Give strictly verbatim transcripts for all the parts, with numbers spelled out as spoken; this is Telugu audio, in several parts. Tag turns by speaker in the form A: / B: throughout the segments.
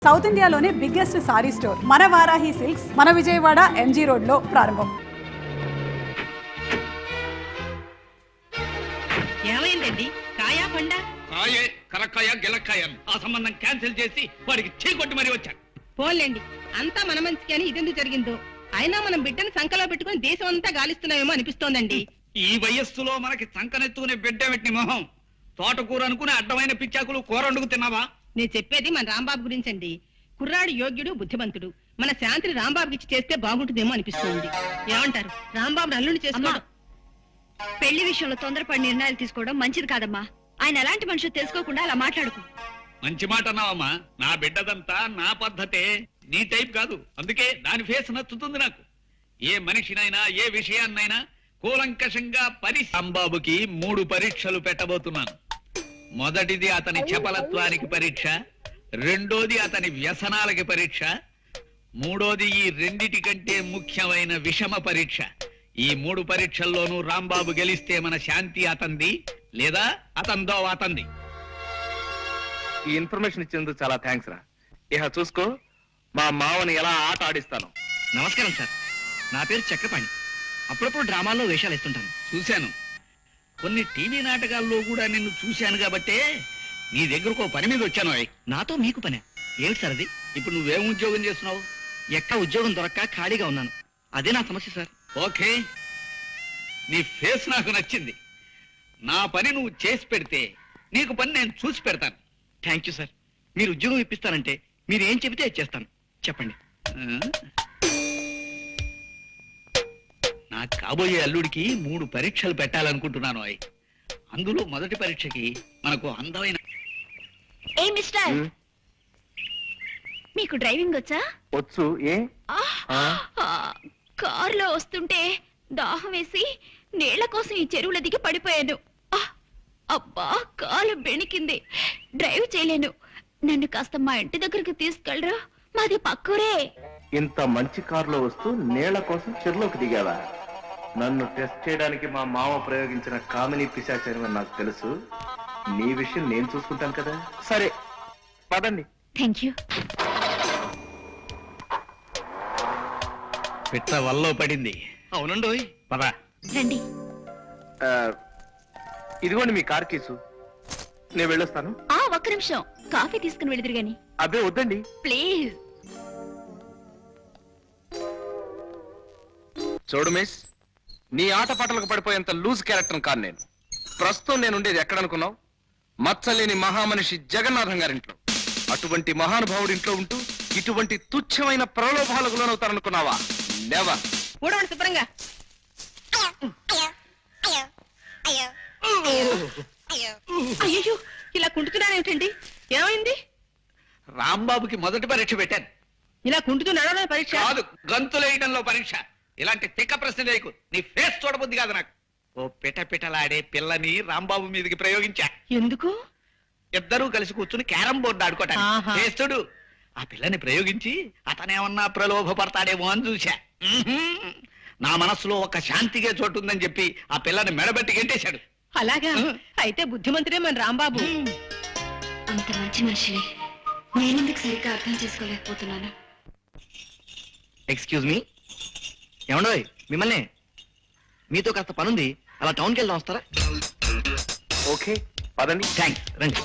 A: సౌత్ ఇండియాలోనే బిగ్గెస్ట్ సారీ స్టోర్ మన వారాహి సిల్క్స్ మన విజయవాడ ఎంజీ రోడ్ లో ప్రారంభం.
B: ఏమైందండి? కాయా పండా?
C: కాయే కరక్కాయ గిలక్కాయ ఆ సంబంధం క్యాన్సిల్ చేసి వాడికి చీకొట్టి మరీ వచ్చాను.
B: పోన్లేండి, అంతా మన మంచికి అని ఇదెందుకు జరిగిందో. అయినా మనం బిడ్డను సంకలో పెట్టుకుని దేశం అంతా గాలిస్తున్నామేమో అనిపిస్తోందండి.
C: ఈ వయస్సులో మనకి సంకనెత్తుకునే బిడ్డ పెట్టిన మొహం. తోటకూర అనుకునే అడ్డమైన పిచ్చాకులు కూర వండుకు తిన్నావా?
B: నేను చెప్పేది మన రాంబాబు గురించండి. కుర్రాడు యోగ్యుడు, బుద్ధిమంతుడు. మన శాంతిని రాంబాబుకి ఇచ్చి చేస్తే బాగుంటుందేమో అనిపిస్తుంది. ఏమంటారు? రాంబాబు అల్లుని చేసుకోవడం.
D: పెళ్లి విషయంలో తొందరపడి నిర్ణయాలు తీసుకోవడం మంచిది కాదమ్మా. ఆయన ఎలాంటి మనుషులు తెలుసుకోకుండా అలా మాట్లాడుకో.
C: మంచి మాట అన్నావమ్మా. నా బిడ్డదంతా నా పద్ధతే, నీ టైప్ కాదు. అందుకే దాని ఫేస్ నచ్చుతుంది నాకు. ఏ మనిషినైనా ఏ విషయాన్నైనా కూలంకషంగా పరి రాంబాబుకి మూడు పరీక్షలు పెట్టబోతున్నాను. మొదటిది అతని చపలత్వానికి పరీక్ష, రెండోది అతని వ్యసనాలకి పరీక్ష, మూడోది ఈ రెండిటి కంటే ముఖ్యమైన విషమ పరీక్ష. ఈ మూడు పరీక్షల్లోనూ రాంబాబు గెలిస్తే మన శాంతి అతంది, లేదా అతందో అతంది.
E: ఈ ఇన్ఫర్మేషన్ ఇచ్చేందుకు చాలా థ్యాంక్స్ రా. ఇహ చూసుకో, మా మావని ఎలా ఆట ఆడిస్తాను.
F: నమస్కారం సార్, నా పేరు చక్రపాణి. అప్పుడప్పుడు డ్రామాల్లో వేషాలు ఇస్తుంటాను.
C: చూశాను, కొన్ని టీవీ నాటకాల్లో కూడా నిన్ను చూశాను కాబట్టే నీ దగ్గరకు పని మీద వచ్చాను.
F: నాతో మీకు పనే ఏమిటి సార్ అది?
C: ఇప్పుడు నువ్వేం ఉద్యోగం చేస్తున్నావు?
F: ఎక్కడ ఉద్యోగం దొరక్క ఖాళీగా ఉన్నాను. అదే నా సమస్య సార్.
C: ఓకే, నీ ఫేస్ నాకు నచ్చింది. నా పని నువ్వు చేసి పెడితే నీకు పని నేను చూసి పెడతాను.
F: Thank you sir. మీరు ఉద్యోగం ఇప్పిస్తారంటే మీరు ఏం చెబితే అది చేస్తాను. చెప్పండి.
C: ఆ? నా కాబోయే అల్లుడికి మూడు పరీక్షలు పెట్టాలనుకుంటున్నాను. అయ్ అందులో మొదటి పరీక్షకి మనకు అందమైన
D: ఏ మిస్టర్, మీకు డ్రైవింగ్ వచ్చా?
E: వచ్చు. ఏ
D: కారులో వస్తుంటే దాహం వేసి నీళ్ల కోసం ఈ చెరువుల దిగి పడిపోయాను. ఆ, అబ్బా, కాలు బెణికింది. డ్రైవ్ చేయలేను. నన్ను కాస్త మా ఇంటి దగ్గరికి తీసుకెళ్ళరా? మాది పక్కూరే.
E: ఇంత మంచి కారులో వస్తూ నీళ్ల కోసం చెరువులోకి దిగావా? నన్ను టెస్ట్ చేయడానికి మా మామ ప్రయోగించిన కామిని పిశాచని నాకు తెలుసు. నీ విషయం నేను చూసుకుంటాను కదా. సరే పదండి.
D: Thank you.
C: పిట్ట వల్లో పడింది.
F: అవునండోయ్.
C: పద.
D: రండి.
E: ఆ, ఇదిగోండి మీ కార్ కేసు. నేను వెళ్ళొస్తాను.
D: ఆ ఒక్క నిమిషం, కాఫీ తీసుకుని వెళుదురు గాని.
E: అబ్బే వద్దండి,
D: ప్లీజ్.
E: చూడు మిస్, నీ ఆట పాటలకు పడిపోయేంత లూజ్ క్యారెక్టర్ కాదు నేను. ప్రస్తుతం నేను ఉండేది ఎక్కడనుకున్నావు? మచ్చలేని మహామనిషి జగన్నాథం గారింట్లో. అటువంటి మహానుభావుడి ఇంట్లో ఉంటూ ఇటువంటి తుచ్చమైన ప్రలోభాలకు లోనవుతారనుకున్నావా? నెవర్.
B: ఊడవండి శుభ్రంగా. అయ్యో, ఇలా కుంటున్నానేమిటండి? ఏమైంది?
C: రాంబాబుకి మొదటి పరీక్ష పెట్టాను.
B: ఇలా కుంటుతూ నడవడం పరీక్ష
C: కాదు, గంతులేయడంలో పరీక్ష. ఇలాంటి తిక్క ప్రశ్న లేకు. నీ ఫేస్ చూడబుద్ది కాదు నాకు. ఓ పిట పిటలాడే పిల్లని రాంబాబు మీదకి ప్రయోగించా.
B: ఎందుకు?
C: ఇద్దరూ కలిసి కూర్చుని క్యారం బోర్డు ఆడుకోవటానికి.
B: ఆహా.
C: చేస్తుడు ఆ పిల్లని ప్రయోగించి అతనేమన్నా ప్రలోభపడతాడేమో అని చూశా. ఉహుం. నా మనసులో ఒక శాంతిగా చోటు ఉందని చెప్పి ఆ పిల్లని మెడబెట్టి గెంటేశాడు.
B: అలాగా? అయితే బుద్ధిమంతుడే మన రాంబాబు.
D: అంత మంచి మనిషిని నేనెందుకు సరిగ్గా అర్థం చేసుకోలేకపోతున్నాను.
F: Excuse me. ఏమండోయ్, మిమ్మల్ని. మీతో కాస్త పనుంది, అలా టౌన్కి వెళ్దాం, వస్తారా?
E: ఓకే పదండి.
F: థ్యాంక్స్, రండి.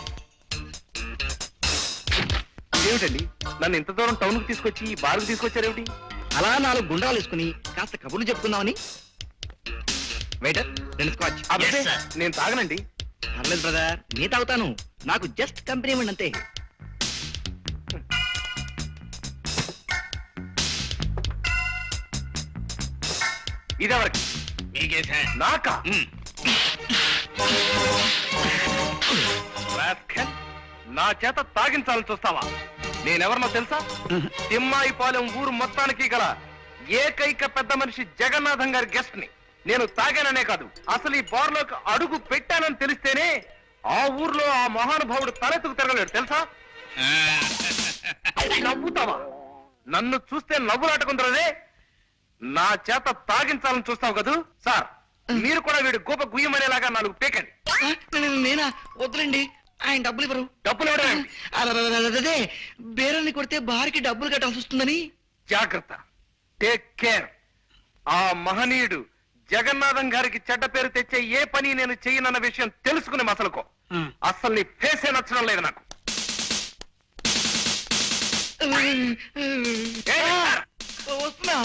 E: ఏమిటండి నన్ను ఇంత దూరం టౌన్ కు తీసుకొచ్చి ఈ బార్కు తీసుకొచ్చారేమిటి?
F: అలా నాలుగు గుండ్రాలు వేసుకుని కాస్త కబుర్లు చెప్పుకుందామని. వెయిటర్, రెండు స్కాచ్.
E: అబ్బే,
C: Yes, sir.
E: నేను తాగనండి.
F: పర్లేదు బ్రదర్, నీ తాగుతాను. నాకు జస్ట్ కంపెనీ ఇవ్వండి అంతే.
E: ఇదెవరికి?
C: మీకేసా?
E: నాకా?
C: ఉమ్.
E: రాస్కెల్, నా చేత తాగించాలని చూస్తావా? నేనెవరినో తెలుసా? తిమ్మాయిపాలెం ఊరు మొత్తానికి గల ఏకైక పెద్ద మనిషి జగన్నాథం గారి గెస్ట్ ని. నేను తాగాననే కాదు, అసలు ఈ బార్లోకి అడుగు పెట్టానని తెలిస్తేనే ఆ ఊర్లో ఆ మహానుభావుడు తలెత్తుకు తిరగలేడు తెలుసా? నవ్వుతావా? నన్ను చూస్తే నవ్వులాటకుందరదే. నా చేత తాగించాలని చూస్తావు కదూ? సార్, మీరు కూడా వీడి గోప గుయ్యమనేలాగా నాలుగు పేకండి.
F: నేనా? వద్దులండి, ఆయన డబ్బులు ఇవ్వరు.
E: డబ్బులు ఇవ్వడం ఏమిటి?
F: అదే, అదే బేరల్ని కొడితే బారికి డబ్బులు కట్టాల్సి వస్తుందని.
E: జాగ్రత్త, టేక్ కేర్. ఆ మహనీయుడు జగన్నాథం గారికి చెడ్డ పేరు తెచ్చే ఏ పని నేను చెయ్యనన్న విషయం తెలుసుకునే మసలుకో. అస్సలు నీ ఫేసే నచ్చడం లేదు నాకు. ఏయ్,
F: వస్తున్నా.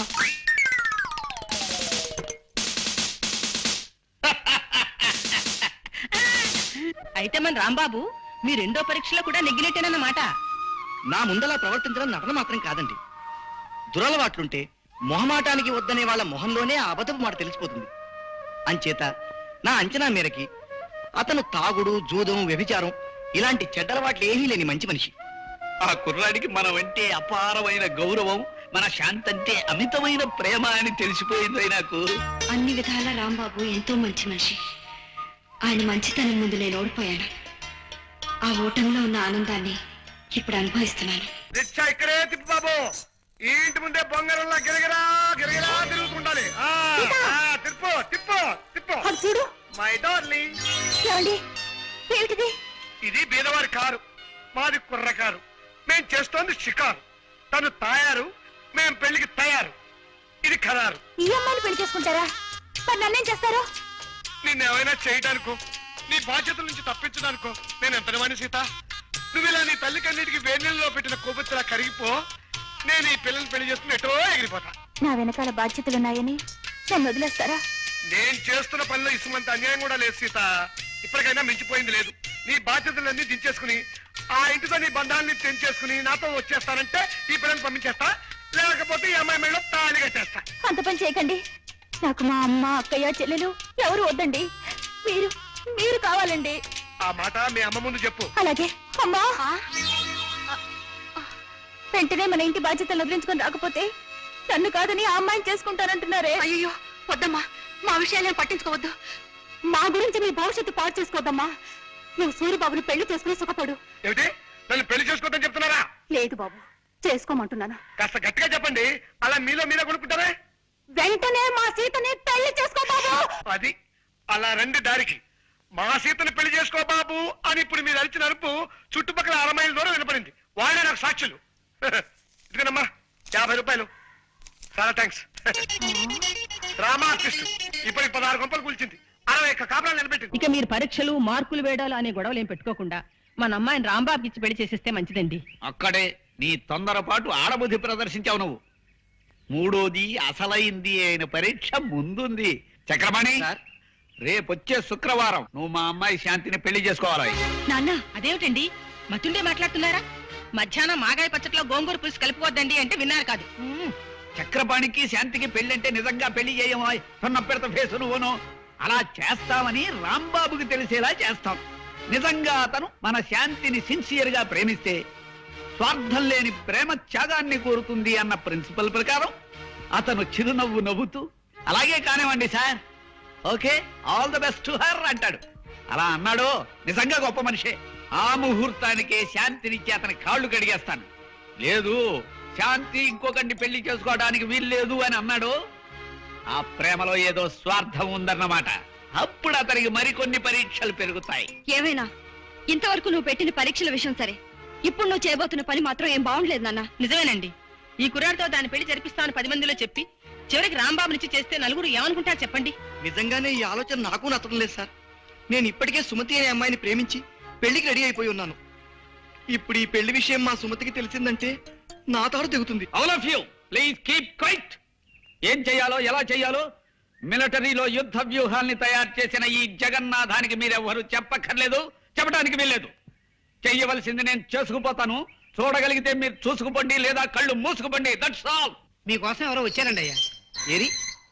B: అయితే మన రాంబాబు మీ రెండో పరీక్షలో కూడా నెగ్గినట్టేనన్నమాట.
F: నా ముందలా ప్రవర్తించడం నటన మాత్రం కాదండి. దురలవాట్లుంటే మొహమాటానికి వద్దనే వాళ్ళ మొహంలోనే ఆ అబద్ధపు మాట తెలిసిపోతుంది. అంచేత నా అంచనా మేరకి అతను తాగుడు, జూదం, వ్యభిచారం ఇలాంటి చెడ్డలవాట్లు ఏమీ లేని మంచి మనిషి.
C: ఆ కుర్రాడికి మనమంటే అపారమైన గౌరవం, మన శాంతంటే అమితమైన ప్రేమ అని తెలిసిపోయింది నాకు.
D: అన్ని విధాల రాంబాబు ఎంతో మంచి మనిషి. ఆయన మంచితనం ముందు నేను ఓడిపోయాను. ఆ ఓటంలో ఉన్న ఆనందాన్ని ఇప్పుడు అనుభవిస్తున్నాను.
E: రిక్షా ఇక్కడే తిప్పు బాబు. ఈ ఇంటి ముందే బొంగరంలా గిరగిరా గిరగిరా తిరుగుతుండాలి. ఆ, ఆ, తిప్పు తిప్పు తిప్పు.
A: చూడు
E: మై డార్లింగ్,
D: ఏమిటిది?
E: ఇది బీదవారి కారు, మాది కుర్ర కారు. మేం చేస్తోంది షికారు. తను తాయారు, మేం పెళ్లికి తయారు. ఇది ఖరారు.
D: ఈ అమ్మాయిని పెళ్లి చేసుకుంటారా? మరి నన్నేం చేస్తారు?
E: నిన్నేమైనా చేయడానికో, నీ బాధ్యతల నుంచి తప్పించడానికో నేను ఎంతనివాణి సీత. నువ్వు ఇలా నీ తల్లి కన్నిటికి వేణీళ్ళలో పెట్టిన కొవ్వొత్తులా కరిగిపో. నేను ఈ పిల్లల్ని పెళ్లి చేసుకుని ఎటో ఎగిరిపోతా.
D: నా వెనకాల బాధ్యతలున్నాయని నన్ను వదిలేస్తారా?
E: నేను చేస్తున్న పనిలో ఇసుమంత అన్యాయం కూడా లేదు సీత. ఇప్పటికైనా మించిపోయింది లేదు. నీ బాధ్యతలన్నీ దించేసుకుని ఆ ఇంటితో నీ బంధాన్ని తెంచేసుకుని నాతో వచ్చేస్తానంటే ఈ పిల్లల్ని పంపించేస్తా, లేకపోతే ఈ అమ్మాయి మెడలో తాళి కట్టేస్తా.
D: అంత పని చేయకండి. నాకు మా అమ్మ, అక్కయ్య, చెల్లెలు ఎవరు వద్దండి. మీరు మీరు కావాలండి.
E: ఆ మాట మీ అమ్మ ముందు చెప్పు.
D: అలాగే. అమ్మా, వెంటనే మన ఇంటి బాధ్యతలు వదిలించుకొని రాకపోతే నన్ను కాదని ఆ అమ్మాయిని చేసుకుంటానంటున్నారే. అయ్యో వద్దమ్మా, మా విషయాలను పట్టించుకోవద్దు. మా గురించి మీ భవిష్యత్తు పాడు చేసుకోవద్దమ్మా. నువ్వు సూర్యబాబుని పెళ్లి చేసుకుని సుఖపడు.
E: ఏమిటి, నన్ను పెళ్లి చేసుకోవద్దని చెప్తున్నారా?
A: లేదు బాబు, చేసుకోమంటున్నాను.
E: కాస్త గట్టిగా చెప్పండి. అలా మీలో మీరే కొనుక్కుంటారా?
A: వెంటనే మా సీతని పెళ్లి చేసుకో బాబు.
E: అది అలా రండి దారికి. మా సీతని పెళ్లి చేసుకో బాబు అని ఇప్పుడు మీరు అరిచిన అరుపు చుట్టుపక్కల అర మైళ్ళ దూరం వినపడింది. వాళ్ళే నాకు సాక్షులు. ఇదిగోనమ్మా యాభై రూపాయలు. చాలా థ్యాంక్స్. డ్రామా ఆర్టిస్ట్ ఇప్పటికి పదహారు గంపలు కూల్చింది, అరవై ఒక్క కాపురాలు నిలబెట్టింది.
B: ఇక మీరు పరీక్షలు, మార్కులు వేయడాలు అనే గొడవలు ఏం పెట్టుకోకుండా మన అమ్మాయిని రాంబాబుకి ఇచ్చి పెళ్లి చేసేస్తే మంచిదండి.
C: అక్కడే నీ తొందరపాటు ఆడబుద్ధి ప్రదర్శించావు నువ్వు. మూడోది అసలైంది అయిన పరీక్ష ముందుంది. చక్రపాణి, రేపొచ్చే శుక్రవారం నువ్వు మా అమ్మాయి శాంతిని పెళ్లి చేసుకోవాలి.
B: నాన్న, అదేమిటండి మతుండే మాట్లాడుతున్నారా? మధ్యాహ్నం మాగాయ పచ్చట్లో గోంగూర పులుసు కలుపుకోవద్దండి అంటే విన్నారు కాదు.
C: చక్రపాణికి శాంతికి పెళ్లి అంటే నిజంగా పెళ్లి చేయమో సొన్న పెడత ఫేసు నువ్వును. అలా చేస్తామని రాంబాబుకి తెలిసేలా చేస్తాం. నిజంగా అతను మన శాంతిని సిన్సియర్ గా ప్రేమిస్తే స్వార్థం లేని ప్రేమ త్యాగాన్ని కోరుతుంది అన్న ప్రిన్సిపల్ ప్రకారం అతను చిరునవ్వు నవ్వుతూ అలాగే కానివ్వండి sir, okay, all the best to her అంటాడు. అలా అన్నాడు నిజంగా గొప్ప మనిషే. ఆ ముహూర్తానికే శాంతినిచ్చి అతని కాళ్ళు కడిగేస్తాను. లేదు, శాంతి ఇంకొకరిని పెళ్లి చేసుకోవడానికి వీల్లేదు అని అన్నాడు, ఆ ప్రేమలో ఏదో స్వార్థం ఉందన్నమాట. అప్పుడు అతనికి మరికొన్ని పరీక్షలు పెరుగుతాయి.
D: ఏమైనా ఇంతవరకు నువ్వు పెట్టిన పరీక్షల విషయం సరే, ఇప్పుడు నువ్వు చేయబోతున్న పని మాత్రం ఏం బాగుండలేదు నాన్న.
B: నిజమేనండి. ఈ కుర్రాడితో దాని పెళ్లి జరిపిస్తామని పది మందిలో చెప్పి చివరికి రాంబాబు నుంచి చేస్తే నలుగురు ఏమనుకుంటారు చెప్పండి?
F: నిజంగానే ఈ ఆలోచన నాకు నచ్చడం లేదు సార్. నేను ఇప్పటికే సుమతి అనే అమ్మాయిని ప్రేమించి పెళ్లికి రెడీ అయిపోయి ఉన్నాను. ఇప్పుడు ఈ పెళ్లి విషయం మా సుమతికి తెలిసిందంటే నా తాడు దిగుతుంది.
C: All of you please keep quiet. ఏం చెయ్యాలో ఎలా చెయ్యాలో మిలిటరీలో యుద్ధ వ్యూహాల్ని తయారు చేసిన ఈ జగన్నాథానికి మీరెవ్వరూ చెప్పక్కర్లేదు, చెప్పడానికి వీల్లేదు. చెయ్యవలసింది నేను చేసుకుపోతాను. చూడగలిగితే మీరు చూసుకుపోండి, లేదా కళ్ళు మూసుకుపోండి. That's all.
G: మీకోసం ఎవరో వచ్చారండి అయ్యా.
F: ఏరి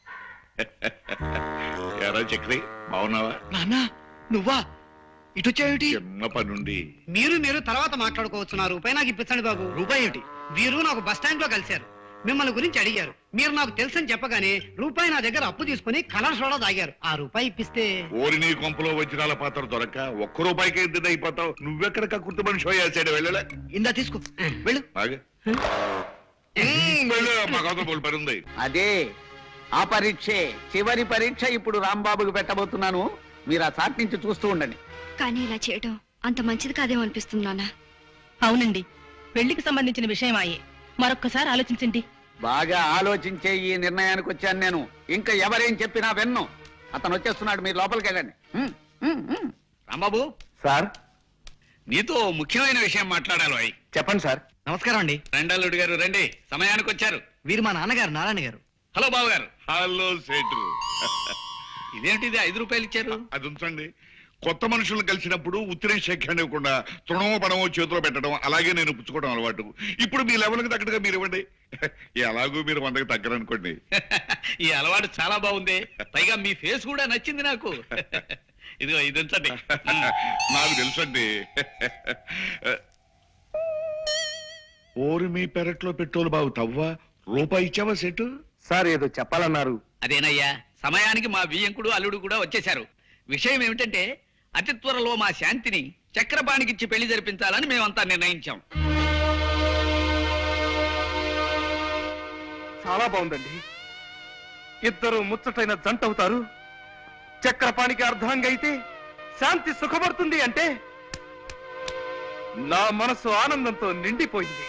H: ఎరా చక్రి, బాగున్నావా?
F: నాన్న నువ్వా? ఇటొచ్చావేమిటి?
H: చిన్న పనుండి.
G: మీరు మీరు తర్వాత మాట్లాడుకోవచ్చు. నా రూపాయి నాకు ఇప్పించండి బాబు.
F: రూపాయి ఏమిటి?
G: వీరు నాకు బస్ స్టాండ్ లో కలిశారు. మిమ్మల్ని గురించి అడిగారు. మీరు నాకు తెలుసని చెప్పగానే రూపాయి నా దగ్గర అప్పు తీసుకుని కలర్ సోడా తాగారు. ఆ రూపాయి ఇప్పిస్తే
H: ఓరి నీ కొంపలో వజ్రాల పాత్ర దొరక్క ఒక్క రూపాయికి ఎద్దు అయిపోతావు. నువ్వెక్కడ కక్కుర్తి మనిషి అయ్యాడు. వెళ్ళలే,
F: ఇందా తీసుకో, వెళ్ళు.
H: ఆగే. ఉమ్, వెళ్ళు, మా కథ బోల్ పని ఉంది.
I: అదే ఆ పరీక్షే చివరి పరీక్ష ఇప్పుడు రాంబాబుకి పెట్టబోతున్నాను. మీరు ఆ చాట్ నుంచి చూస్తూ ఉండండి.
D: కానీ ఇలా చేయడం అంత మంచిది కాదేమో అనిపిస్తుంది నాన్న.
B: అవునండి, పెళ్లికి సంబంధించిన విషయం ఆయే. మరొక్కసారి ఆలోచించండి.
I: బాగా ఆలోచించే ఈ నిర్ణయానికి వచ్చాను నేను. ఇంకా ఎవరేం చెప్పినా విన్ను. అతను వచ్చేస్తున్నాడు, మీరు లోపలికి వెళ్ళండి. హ్మ్, హ్మ్, హ్మ్.
C: రాంబాబు,
E: సార్
C: నీతో ముఖ్యమైన విషయం మాట్లాడాలి అయ్.
E: చెప్పండి సార్.
F: నమస్కారం అండి.
C: రెండల్లుడు గారు రండి, సమయానికి వచ్చారు.
F: వీరు మా నాన్నగారు నారాయణ గారు.
C: హలో బాబు గారు.
H: హలో సేటు.
C: ఇదేంటిది ఐదు రూపాయలు ఇచ్చారు?
H: అది ఉంచండి. కొత్త మనుషులను కలిసినప్పుడు ఉత్తిరే శేఖండి ఇవ్వకుండా తృణమో పడమో చేతిలో పెట్టడం, అలాగే నేను పుచ్చుకోవడం అలవాటు. ఇప్పుడు మీ లెవెల్కి తగ్గట్టుగా మీరు ఇవ్వండి. ఎలాగూ మీరు వందకి తగ్గరనుకోండి.
C: ఈ అలవాటు చాలా బాగుంది. పైగా మీ ఫేస్ కూడా నచ్చింది నాకు. ఇదిగో ఇది ఉంచండి.
H: నాకు తెలుసండి. ఓరి మీ పెరట్లో పెట్రోలు బాగు తవ్వా. రూపాయి ఇచ్చావా సెటు?
E: సార్ ఏదో చెప్పాలన్నారు.
C: అదేనయ్యా, సమయానికి మా బియ్యంకుడు అల్లుడు కూడా వచ్చేశారు. విషయం ఏమిటంటే, అతి త్వరలో మా శాంతిని చక్రపాణికిచ్చి పెళ్లి జరిపించాలని మేమంతా నిర్ణయించాం.
E: చాలా బాగుందండి. ఇద్దరు ముచ్చటైన జంట అవుతారు. చక్రపాణికి అర్ధాంగ అయితే శాంతి సుఖపడుతుంది అంటే నా మనసు ఆనందంతో నిండిపోయింది.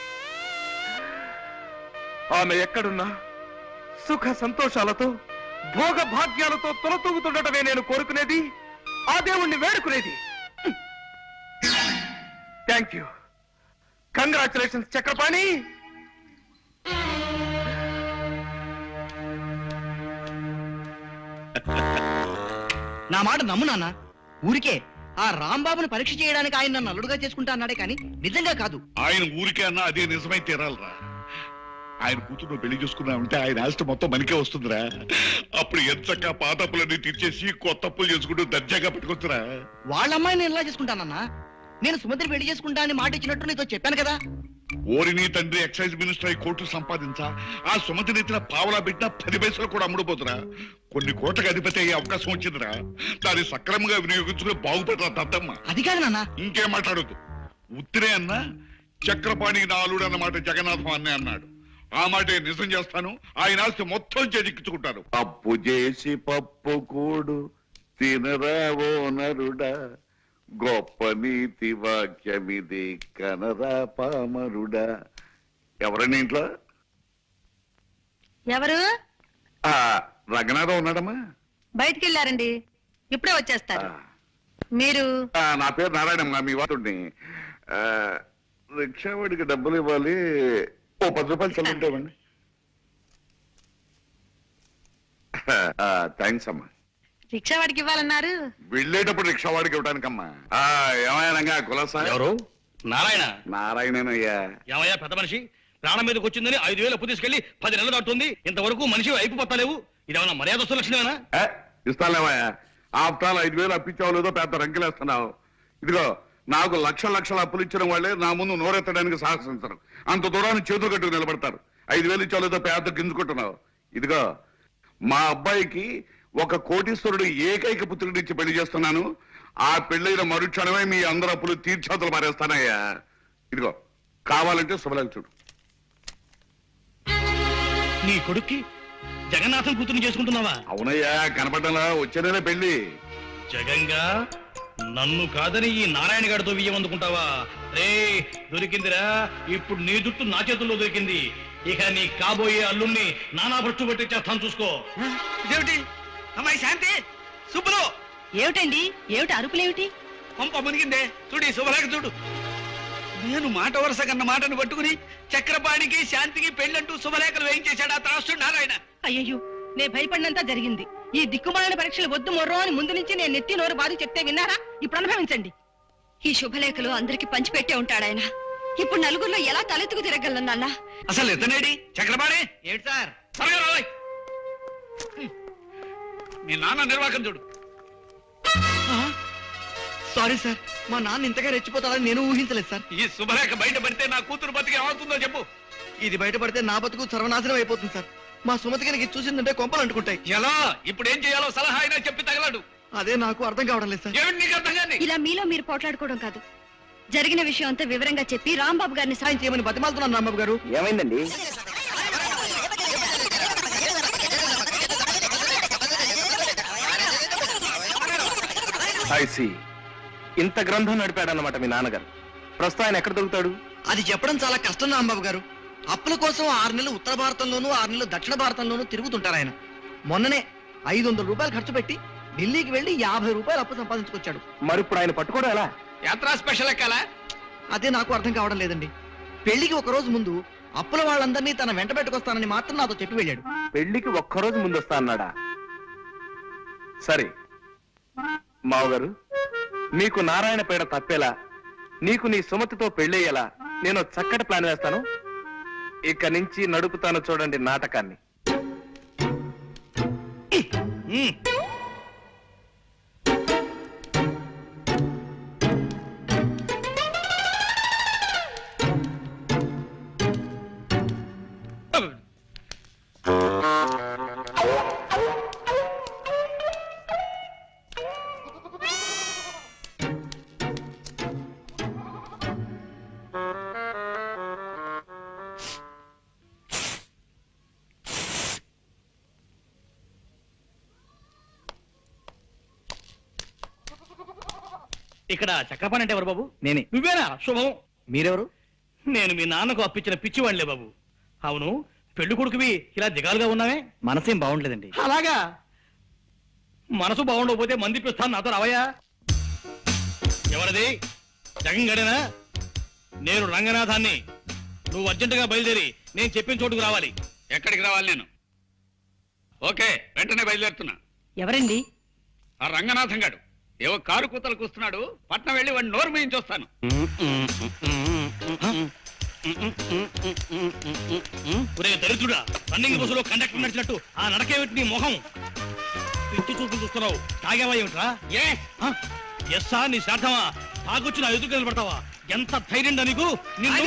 E: ఆమె ఎక్కడున్నా సుఖ సంతోషాలతో భోగ భాగ్యాలతో తొలతూగుతుండటమే నేను కోరుకునేది, ఆ దేవుణ్ణి వేడుకునేది. Thank you. కంగ్రాచులేషన్స్ చక్రపాణి.
F: నా మాట నమ్ము నాన్న. ఊరికే ఆ రాంబాబును పరీక్ష చేయడానికి ఆయన నన్ను అల్లుడుగా చేసుకుంటా అన్నాడే కానీ నిజంగా కాదు.
H: ఆయన ఊరికే అన్నా అదే నిజమై తీరాలరా. ఆయన కూతురు పెళ్లి చూసుకున్నామంటే ఆయన ఆస్తి మొత్తం మనకే వస్తుందిరా. అప్పుడు ఎంచక్క పాత అప్పులన్నీ తీర్చేసి కొత్త అప్పులు చేసుకుంటూ దర్జాగా పెట్టుకొచ్చురా.
F: వాళ్ళ అమ్మాయిని నేను ఎలా చేసుకుంటానన్నా? నేను సుమంత్రి పెళ్లి చేసుకుంటా అని మాట ఇచ్చినట్టు నీతో చెప్పాను కదా.
H: ఓరిని తండ్రి ఎక్సైజ్ మినిస్టర్ అయి కోర్టు సంపాదించా ఆ సుమతి నెత్తిన పావలా పెట్టినా పది పైసలు కూడా అమ్ముడుపోతురా. కొన్ని కోట్లకు అధిపతి అయ్యే అవకాశం వచ్చిందిరా. దాన్ని సక్రమంగా వినియోగించుకుని బాగుపడరా దద్దమ్మ.
F: అది కాదు నాన్న.
H: ఇంకేం మాట్లాడద్దు. ఉత్తిరే అన్నా చక్రపాణికి నా అల్లుడు అన్నమాట జగన్నాథం అన్నే అన్నాడు. ఆ మాట నిజం చేస్తాను. ఆయన ఆస్తి మొత్తం చేజిక్కించుకుంటాను. అప్పు చేసి పప్పు కూడు తినరావో నరుడా, గొప్ప నీతి వాక్యమిది కనరా పామరుడా. ఎవరన్నా ఇంట్లో?
B: ఎవరు?
H: ఆ రంగనాథం ఉన్నాడమ్మా.
B: బయటికి వెళ్ళారండి, ఇప్పుడే వచ్చేస్తారు. మీరు?
H: ఆ, నా పేరు నారాయణమ్మ, మీ వాడుని. రిక్షావాడికి డబ్బులు ఇవ్వాలి. ఓ పది రూపాయలు చల్లుంటామండి. థ్యాంక్స్ అమ్మా.
B: రిక్షా వాడికి ఇవ్వాలన్నారు.
H: వెళ్ళేటప్పుడు రిక్షావాడికి ఇవ్వడానికమ్మా. ఏమయ్యానంగా కులసా?
C: ఎవరు? నారాయణ.
H: నారాయణనయ్యా.
C: ఏమయ్యా పెద్ద మనిషి, ప్రాణం మీదకి వచ్చిందని ఐదు వేలు అప్పు తీసుకెళ్లి పది నెలలు దాటుతుంది. ఇంతవరకు మనిషి అయిపు పత్తలేవు. ఇదేమన్నా మర్యాద లక్షణమేనా?
H: ఇస్తాలేమయ్యా. ఆఫ్టర్ ఆల్ ఐదు వేలు అప్పించావు లేదో పెద్ద రంకెలేస్తున్నావు. ఇదిగో, నాకు లక్ష లక్షల అప్పులు ఇచ్చిన వాళ్ళే నా ముందు నోరెత్తడానికి సాహసించరు. అంత దూరాన్ని చేతులు కట్టుకు నిలబడతారు. ఐదు వేలు ఇచ్చావు లేదో పెద్ద గింజుకుంటున్నావు. ఇదిగో, మా అబ్బాయికి ఒక కోటీశ్వరుడు ఏకైక పుత్రుడిచ్చి పెళ్లి చేస్తున్నాను. ఆ పెళ్లైన మరుక్షణమే మీ అందరు అప్పులు తీర్చాతలు మారేస్తానయ్యా. ఇదిగో, కావాలంటే శుభలేఖ చూడు.
C: నీ కొడుక్కి జగన్నాథం కూతురు చేసుకుంటున్నావా?
H: అవునయ్యా, కనపడ్డలా వచ్చే నెల పెళ్లి.
C: జగంగా నన్ను కాదని ఈ నారాయణ గారితో బియ్యం అందుకుంటావా? రే, దొరికిందిరా. ఇప్పుడు నీ జుట్టు నా చేతుల్లో దొరికింది. ఇక నీ కాబోయే అల్లుణ్ణి నానా భ్రష్టు పెట్టించేస్తాను, చూసుకో.
F: ఇదేమిటి అమ్మాయి శాంతి? శుభ్రు
B: ఏమిటండి? ఏమిటి అరుపులేమిటి?
C: పంప మునిగిందే. చూడు ఈ శుభలేఖ చూడు. నేను మాట వరుస కన్న మాటను పట్టుకుని చక్రపాణికి శాంతికి పెళ్ళంటూ శుభలేఖలు వేయించేశాడు ఆ త్రాసుడు నారాయణ.
B: అయ్యయ్యో, నే భయపడినంతా జరిగింది. ఈ దిక్కుమాలిన పరీక్షలు వద్దు మొర్రో అని ముందు నుంచి నేను నెత్తి నోరు బాధ చెప్తే విన్నారా? ఇప్పుడు అనుభవించండి.
D: ఈ శుభలేఖలు అందరికి పంచిపెట్టే ఉంటాడాయన. ఇప్పుడు నలుగురిలో ఎలా తలెత్తుకు తిరగలను నాన్న?
C: అసలు ఎత్తనేడి చక్రపాణి?
F: ఏమిటి సార్?
C: త్వరగా రావాయ్. మీ నాన్న నిర్వాకం చూడు.
F: సారీ సార్, మా నాన్న ఇంతగా రెచ్చిపోతాడని నేను ఊహించలేదు సార్.
C: ఈ శుభలేఖ బయట పడితే నా కూతురు బతికి ఏమవుతుందో చెప్పు.
F: ఇది బయటపడితే నా బతుకు సర్వనాశనం అయిపోతుంది సార్. మా సుమతి గారికి చూసిందంటే కొంపలు అంటుకుంటాయి.
C: ఎలా? ఇప్పుడు ఏం చేయాలో సలహా అయినా చెప్పి తగలడు.
F: అదే నాకు అర్థం కావడం లేదు సార్.
C: ఏమిటి నీకు అర్థం కాని?
D: ఇలా మీలో మీరు పోట్లాడుకోవడం కాదు, జరిగిన విషయం అంతా వివరంగా చెప్పి రాంబాబు గారిని
F: సాయం చేయమని బతిమాలుతున్నాను రాంబాబు గారు.
E: ఏమైందండి? I see. ఇంత గ్రంథం నడిపాడన్నమాట మీ నాన్నగారు. ప్రస్తుతం ఆయన ఎక్కడ దొరుకుతాడు?
F: అది చెప్పడం చాలా కష్టం రాంబాబు గారు. అప్పుల కోసం ఆరు నెలలు ఉత్తర భారతంలోనూ ఆరు నెలలు దక్షిణ భారతంలోనూ తిరుగుతుంటారు ఆయన. మొన్ననే ఐదు వందల రూపాయలు ఖర్చు పెట్టి ఢిల్లీకి వెళ్లి యాభై రూపాయలు అప్పు సంపాదించుకొచ్చాడు.
E: మరి ఇప్పుడు ఆయన పట్టుకోవడం ఎలా?
C: యాత్రా స్పెషల్ ఎక్కాలా?
F: అదే నాకు అర్థం కావడం లేదండి. పెళ్లికి ఒక రోజు ముందు అప్పుల వాళ్ళందరినీ తన వెంట పెట్టుకొస్తానని మాత్రం నాతో చెప్పి వెళ్ళాడు.
E: పెళ్లికి ఒక్కరోజు ముందు వస్తా అన్నాడా? సరే మావగారు, మీకు నారాయణ పేడ తప్పేలా, నీకు నీ సుమతితో పెళ్ళయ్యేలా నేను చక్కటి ప్లాన్ వేస్తాను. ఇక నుంచి నడుపుతాను చూడండి నాటకాన్ని.
J: ఇక్కడ చక్రపాణి అంటే ఎవరు బాబు?
F: నేనే.
J: నువ్వేనా? శుభం.
F: మీరెవరు?
J: నేను మీ నాన్నకు అప్పించిన పిచ్చివాళ్లే బాబు. అవును, పెళ్లి కొడుకువి ఇలా దిగాలుగా ఉన్నావే?
F: మనసేం బాగుండలేదండి.
J: అలాగా? మనసు బాగుండకపోతే మంది పిస్తాను, నాతో రావయ్యా. ఎవరిది? జగన్ గడేనా? నేను రంగనాథాన్ని. నువ్వు అర్జెంటుగా బయలుదేరి నేను చెప్పిన చోటుకు రావాలి.
C: ఎక్కడికి రావాలి నేను? ఓకే, వెంటనే బయలుదేరుతున్నా.
B: ఎవరండి?
C: ఆ రంగనాథం గాడు ఏవో కారు కూతలకు వస్తున్నాడు. పట్నం వెళ్ళి వాడిని నోరు మేయించి వస్తాను.
J: ఒరే దరిద్రుడా, రన్నింగ్ బస్సులో కండక్టర్ నడిచినట్టు ఆ నడకేమిటి నీ మొహం? పిచ్చి చూపు చూస్తున్నావు. తాగేవా ఏమిట్రా? ఏ ఎస్సా నీ శార్థమా? తాగొచ్చి నా ఎదురు నిలబడతావా? ఎంత ధైర్యం నీకు? నిన్ను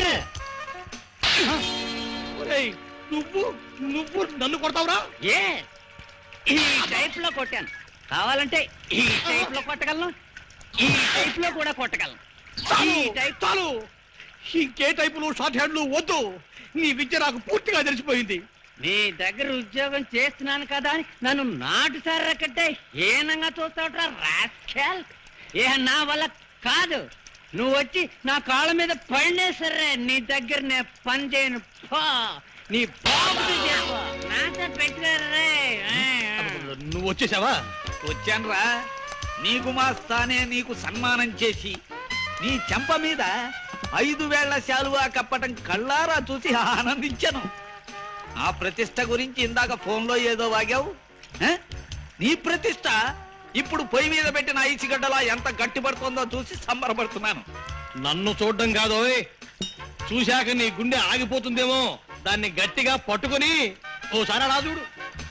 J: ఒరేయ్, నువ్వు నువ్వు నన్ను కొడతావురా?
G: ఏ ఈ టైప్ లో కొట్టాను. కావాలంటే ఈ టైప్ లో కొట్టగలను, ఈ టైప్ లో కూడా కొట్టగలను.
J: చాలు
G: ఈ టైప్
J: చాలు, ఇంకే టైపులు షార్ట్ హ్యాండ్లు వద్దు. నీ విద్య నాకు పూర్తిగా తెలిసిపోయింది.
G: నీ దగ్గర ఉద్యోగం చేస్తున్నాను కదా అని నన్ను నాటు సర్రకట్టే హీనంగా చూస్తావుట్రా రాస్కెల్. ఏ నా వల్ల కాదు. నువ్వు వచ్చి నా కాళ్ళ మీద పడినే సరే నీ దగ్గర నేను పని చేయను. పో నీ బాబుని చెప్పు, నాతో పెట్టుకోరే.
J: నువ్వు వచ్చేసావా?
C: వచ్చానురా. నీకు మా స్థానే నీకు సన్మానం చేసి నీ చెంప మీద ఐదు వేళ్ల శాలువా కప్పటం కళ్ళారా చూసి ఆనందించాను. ఆ ప్రతిష్ట గురించి ఇందాక ఫోన్లో ఏదో వాగావు. ఆ? నీ ప్రతిష్ట ఇప్పుడు పొయ్యి మీద పెట్టిన ఐసిగడ్డలా ఎంత గట్టిపడుతుందో చూసి సంబరపడుతున్నాను.
J: నన్ను చూడడం కాదోయ్, చూశాక నీ గుండె ఆగిపోతుందేమో. దాన్ని గట్టిగా పట్టుకొని ఓసారి అలా చూడు.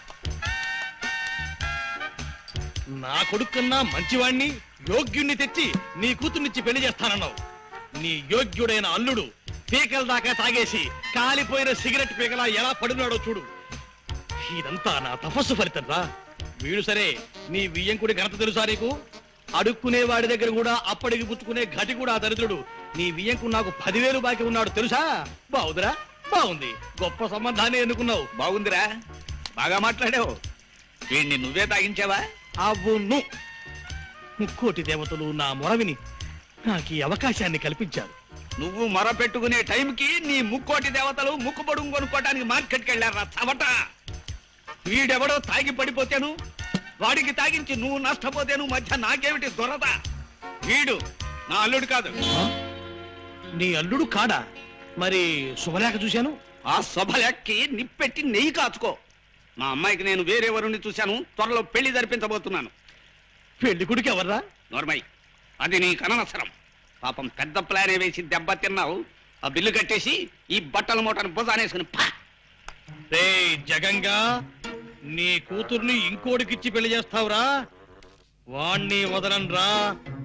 J: నా కొడుకున్నా మంచివాణ్ణి, యోగ్యుణ్ణి తెచ్చి నీ కూతుర్నిచ్చి పెళ్లి చేస్తానన్నావు. నీ యోగ్యుడైన అల్లుడు పీకల దాకా తాగేసి కాలిపోయిన సిగరెట్ పీకలా ఎలా పడినాడో చూడు. ఇదంతా నా తపస్సు ఫలితం రా. వీడు సరే, నీ వియ్యంకుడి ఘనత తెలుసా నీకు? అడుక్కునే వాడి దగ్గర కూడా అప్పటికి పుచ్చుకునే ఘటి కూడా దరిద్రుడు. నీ వియ్యంకుడు నాకు పదివేలు బాకీ ఉన్నాడు తెలుసా? బాగుందిరా, బాగుంది. గొప్ప సంబంధాన్ని ఎన్నుకున్నావు.
C: బాగుందిరా, బాగా మాట్లాడావు. వీడిని నువ్వే తాగించావా?
J: అవును, ముక్కోటి దేవతలు నా మొరవిని నాకు ఈ అవకాశాన్ని కల్పించారు.
C: నువ్వు మొర పెట్టుకునే టైంకి నీ ముక్కోటి దేవతలు ముక్కు పొడుగు కొనుక్కోటానికి మార్కెట్కి వెళ్ళారా చవట. వీడెవడో తాగి పడిపోతేను, వాడికి తాగించి నువ్వు నష్టపోతేను మధ్య నాకేమిటి దొరద? వీడు నా అల్లుడు కాదు.
J: నీ అల్లుడు కాడా? మరి శుభలేఖ చూశాను.
C: ఆ శుభలేఖకి నిప్పెట్టి నెయ్యి కాచుకో. మా అమ్మాయికి నేను వేరే వరుణ్ణి చూశాను. త్వరలో పెళ్లి జరిపించబోతున్నాను.
J: పెళ్లి కొడుకు ఎవర్రా?
C: నోర్మై, అది నీ కనవసరం. పాపం పెద్ద ప్లానే వేసి దెబ్బ తిన్నావు. ఆ బిల్లు కట్టేసి ఈ బట్టల మూటను భుజానేసుకుని పా.
J: రే జగంగా, నీ కూతుర్ని ఇంకోటికిచ్చి పెళ్లి చేస్తావురా? వాణ్ణి వదలన్రా.